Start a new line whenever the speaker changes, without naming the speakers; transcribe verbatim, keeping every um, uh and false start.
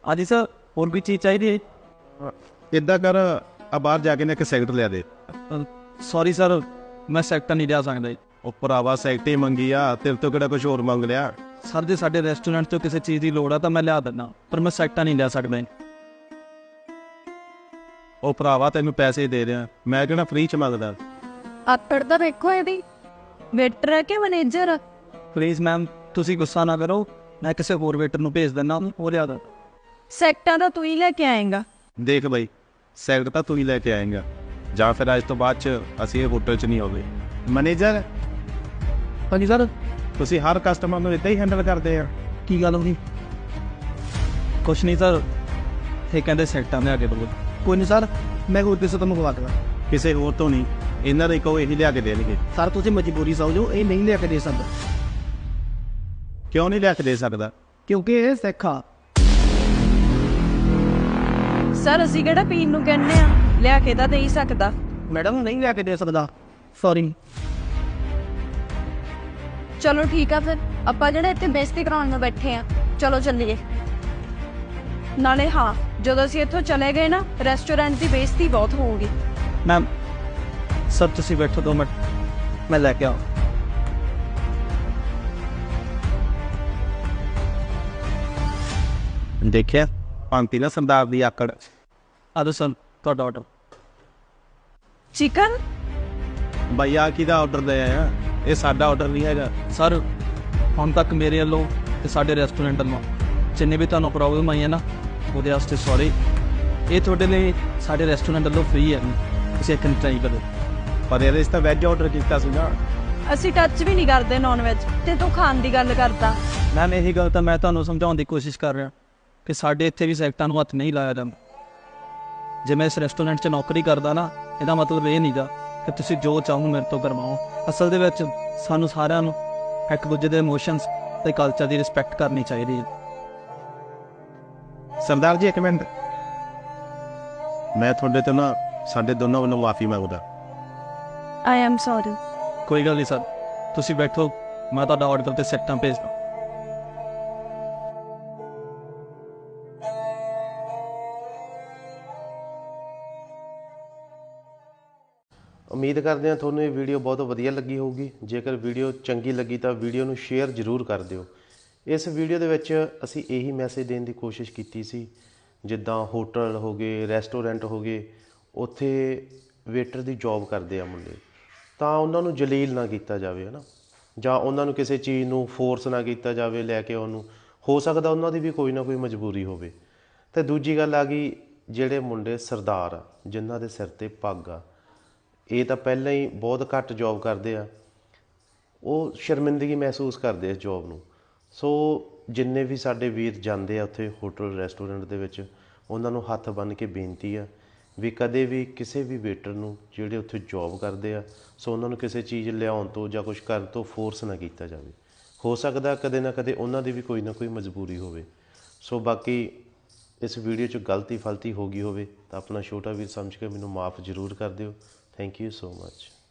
हाँ जी सर, और भी चीज़ चाहिए?
इदा कर आ बाहर जाके ना एक सैकट लिया दे।
सॉरी सर, मैं सैकटा नहीं लिया सकता जी।
ਉਹ ਭਰਾਵਾ ਸੈਕਟ ਹੀ ਮੰਗੀ ਆ, ਤੇਰੇ ਤੋਂ ਕਿਹੜਾ ਕੁਝ ਹੋਰ ਮੰਗ ਲਿਆ।
सर जी साडे रेस्टोरेंट तो किसी चीज़ की लोड़ है तो मैं लिया दिना, पर मैं सैकटा नहीं लिया सकता जी।
ਉਹ ਭਰਾਵਾ ਤੈਨੂੰ ਪੈਸੇ ਦੇ ਰਿਹਾ, ਮੈਂ ਕਿਹੜਾ ਫ੍ਰੀ ਚ ਮੰਗਦਾ।
ਆਕੜ ਤਾਂ ਵੇਖੋ ਇਹਦੀ, ਵੇਟਰ ਹੈ ਕਿ ਮੈਨੇਜਰ?
प्लीज़ मैम तुसी गुस्सा ना करो, मैं किसी होर वेटर ਨੂੰ भेज दिना, वो लिया दा।
ਸੈਕਟਾਂ ਤਾਂ ਤੂੰ ਹੀ ਲੈ ਕੇ ਆਏਂਗਾ।
ਦੇਖ ਬਈ, ਸੈਕਟ ਤਾਂ ਤੂੰ ਹੀ ਲੈ ਕੇ ਆਏਂਗਾ, ਜਾਂ ਫਿਰ ਅੱਜ ਤੋਂ ਬਾਅਦ ਚ ਅਸੀਂ ਇਹ ਹੋਟਲ ਚ ਨਹੀਂ ਹੋਵੇ। ਮੈਨੇਜਰ
हाँ जी सर,
ਤੁਸੀਂ ਹਰ ਕਸਟਮਰ ਨੂੰ ਇਦਾਂ ਹੀ ਹੈਂਡਲ ਕਰਦੇ ਆ?
की गल होगी? कुछ नहीं सर, ये कहते सैकटा लिया के दो। कोई नहीं सर, मैं होर किसी तो मंगवा दूँगा।
ਕਿਸੇ ਹੋਰ ਤੋਂ ਨਹੀਂ, ਇਹਨਾਂ ਦੇ ਕਹੋ ਇਹੀ ਲਿਆ ਕੇ ਦੇਣਗੇ।
सर तुसी मजबूरी समझो, ये नहीं लिया के दे सकदा।
ਕਿਉਂ ਨਹੀਂ ਲਿਆ ਕੇ ਦੇ ਸਕਦਾ?
क्योंकि ये सिख आ।
ਸਰ ਅਸੀਂ ਕਿਹੜਾ ਪੀਣ ਨੂੰ ਕਹਿੰਦੇ ਆ, ਲਿਆ ਕੇ ਤਾਂ ਦੇ ਹੀ ਸਕਦਾ।
मैडम नहीं लिया के दे सकदा, सॉरी।
ਚਲੋ ਠੀਕ ਆ, ਫਿਰ ਆਪਾਂ ਜਿਹੜੇ ਇੱਥੇ ਬੇਇੱਜ਼ਤੀ ਕਰਾਉਣ ਨੂੰ ਬੈਠੇ ਆ, ਚਲੋ ਚੱਲੀਏ। ਨਾਲੇ ਹਾਂ, ਜਦੋਂ ਅਸੀਂ ਇੱਥੋਂ ਚਲੇ ਗਏ ਨਾ, ਰੈਸਟੋਰੈਂਟ ਦੀ ਬੇਇੱਜ਼ਤੀ ਬਹੁਤ ਹੋਊਗੀ।
मैम सर तुसी बैठो दो मिनट, मैं लैके आऊँ।
ਦੇਖਿਆ ਪੰਤੀ ਨਾ ਸਰਦਾਰ ਦੀ ਆਕੜ।
आ दो सर ਤੁਹਾਡਾ ऑर्डर।
ਚਿਕਨ?
ਬਈ ਆ ਕਿਹਦਾ ਆਰਡਰ ਦੇ ਆਇਆ? ਇਹ ਸਾਡਾ ਆਰਡਰ ਨਹੀਂ ਹੈਗਾ।
सर ਹੁਣ ਤੱਕ ਮੇਰੇ ਵੱਲੋਂ ਤੇ ਸਾਡੇ ਰੈਸਟੋਰੈਂਟ ਵੱਲੋਂ ਜਿੰਨੇ ਵੀ ਤੁਹਾਨੂੰ ਪ੍ਰੋਬਲਮ ਆਈ ਹੈ ਨਾ, ਉਹਦੇ ਵਾਸਤੇ ਸੌਰੀ। ਇਹ ਤੁਹਾਡੇ ਲਈ ਸਾਡੇ ਰੈਸਟੋਰੈਂਟ ਵੱਲੋਂ ਫ੍ਰੀ ਹੈ, ਤੁਸੀਂ ਇੱਕ ਟਰਾਈ ਕਰੋ।
ਪਰ ਇਹਦੇ 'ਚ ਤਾਂ ਵੈਜ ਆਰਡਰ ਕੀਤਾ ਸੀ ਨਾ।
ਅਸੀਂ ਟੱਚ ਵੀ ਨਹੀਂ ਕਰਦੇ ਨੌਨ ਵੈਜ, ਤੇ ਤੂੰ ਖਾਣ ਦੀ ਗੱਲ ਕਰਦਾ।
ਮੈਮ ਇਹੀ ਗੱਲ ਤਾਂ ਮੈਂ ਤੁਹਾਨੂੰ ਸਮਝਾਉਣ ਦੀ ਕੋਸ਼ਿਸ਼ ਕਰ ਰਿਹਾ ਕਿ ਸਾਡੇ ਇੱਥੇ ਵੀ ਸੈਕਟਾਂ ਨੂੰ ਹੱਥ ਨਹੀਂ ਲਾਇਆ ਜਾਂਦਾ। ਜੇ ਮੈਂ ਇਸ ਰੈਸਟੋਰੈਂਟ 'ਚ ਨੌਕਰੀ ਕਰਦਾ ਨਾ, ਇਹਦਾ ਮਤਲਬ ਇਹ ਨਹੀਂਗਾ ਕਿ ਤੁਸੀਂ ਜੋ ਚਾਹੋ ਮੇਰੇ ਤੋਂ ਕਰਵਾਓ। ਅਸਲ ਦੇ ਵਿੱਚ ਸਾਨੂੰ ਸਾਰਿਆਂ ਨੂੰ ਇੱਕ ਦੂਜੇ ਦੇ ਇਮੋਸ਼ਨਸ ਤੇ ਕਲਚਰ ਦੀ ਰਿਸਪੈਕਟ ਕਰਨੀ ਚਾਹੀਦੀ ਹੈ।
ਸਰਦਾਰ ਜੀ ਇੱਕ ਮਿੰਟ, ਮੈਂ ਤੁਹਾਡੇ ਤੋਂ ਨਾ ਸਾਡੇ ਦੋਨਾਂ ਵੱਲੋਂ ਮਾਫੀ ਮੰਗਦਾ।
I am sorry.
ਕੋਈ ਗੱਲ ਨਹੀਂ ਸਰ, ਤੁਸੀਂ ਬੈਠੋ, ਮੈਂ ਤੁਹਾਡਾ ਆਰਡਰ ਤੇ ਸੈਕਟਾਂ ਭੇਜਦਾ।
ਉਮੀਦ ਕਰਦੇ ਹਾਂ ਤੁਹਾਨੂੰ ਇਹ ਵੀਡੀਓ ਬਹੁਤ ਵਧੀਆ ਲੱਗੀ ਹੋਊਗੀ। ਜੇਕਰ ਵੀਡੀਓ ਚੰਗੀ ਲੱਗੀ ਤਾਂ ਵੀਡੀਓ ਨੂੰ ਸ਼ੇਅਰ ਜ਼ਰੂਰ ਕਰ ਦਿਓ। ਇਸ ਵੀਡੀਓ ਦੇ ਵਿੱਚ ਅਸੀਂ ਇਹੀ ਮੈਸੇਜ ਦੇਣ ਦੀ ਕੋਸ਼ਿਸ਼ ਕੀਤੀ ਸੀ, ਜਿੱਦਾਂ ਹੋਟਲ ਹੋ ਗਏ, ਰੈਸਟੋਰੈਂਟ ਹੋ ਗਏ, ਉੱਥੇ ਵੇਟਰ ਦੀ ਜੌਬ ਕਰਦੇ ਆ ਮੁੰਡੇ, ਤਾਂ ਉਹਨਾਂ ਨੂੰ ਜਲੀਲ ਨਾ ਕੀਤਾ ਜਾਵੇ, ਹੈ ਨਾ, ਜਾਂ ਉਹਨਾਂ ਨੂੰ ਕਿਸੇ ਚੀਜ਼ ਨੂੰ ਫੋਰਸ ਨਾ ਕੀਤਾ ਜਾਵੇ ਲੈ ਕੇ ਉਹਨੂੰ। ਹੋ ਸਕਦਾ ਉਹਨਾਂ ਦੀ ਵੀ ਕੋਈ ਨਾ ਕੋਈ ਮਜਬੂਰੀ ਹੋਵੇ। ਅਤੇ ਦੂਜੀ ਗੱਲ ਆ ਗਈ, ਜਿਹੜੇ ਮੁੰਡੇ ਸਰਦਾਰ ਆ, ਜਿਨ੍ਹਾਂ ਦੇ ਸਿਰ 'ਤੇ ਪੱਗ ਆ, ਇਹ ਤਾਂ ਪਹਿਲਾਂ ਹੀ ਬਹੁਤ ਘੱਟ ਜੋਬ ਕਰਦੇ ਆ, ਉਹ ਸ਼ਰਮਿੰਦਗੀ ਮਹਿਸੂਸ ਕਰਦੇ ਇਸ ਜੋਬ ਨੂੰ। ਸੋ ਜਿੰਨੇ ਵੀ ਸਾਡੇ ਵੀਰ ਜਾਂਦੇ ਆ ਉੱਥੇ ਹੋਟਲ ਰੈਸਟੋਰੈਂਟ ਦੇ ਵਿੱਚ, ਉਹਨਾਂ ਨੂੰ ਹੱਥ ਬੰਨ੍ਹ ਕੇ ਬੇਨਤੀ ਆ ਵੀ ਕਦੇ ਵੀ ਕਿਸੇ ਵੀ ਵੇਟਰ ਨੂੰ ਜਿਹੜੇ ਉੱਥੇ ਜੋਬ ਕਰਦੇ ਆ, ਸੋ ਉਹਨਾਂ ਨੂੰ ਕਿਸੇ ਚੀਜ਼ ਲਿਆਉਣ ਤੋਂ ਜਾਂ ਕੁਛ ਕਰਨ ਤੋਂ ਫੋਰਸ ਨਾ ਕੀਤਾ ਜਾਵੇ। ਹੋ ਸਕਦਾ ਕਦੇ ਨਾ ਕਦੇ ਉਹਨਾਂ ਦੀ ਵੀ ਕੋਈ ਨਾ ਕੋਈ ਮਜਬੂਰੀ ਹੋਵੇ। ਸੋ ਬਾਕੀ ਇਸ ਵੀਡੀਓ 'ਚ ਗਲਤੀ ਫਲਤੀ ਹੋ ਗਈ ਹੋਵੇ ਤਾਂ ਆਪਣਾ ਛੋਟਾ ਵੀਰ ਸਮਝ ਕੇ ਮੈਨੂੰ ਮਾफ़ ਜ਼ਰੂਰ ਕਰ ਦਿਓ। Thank you so much.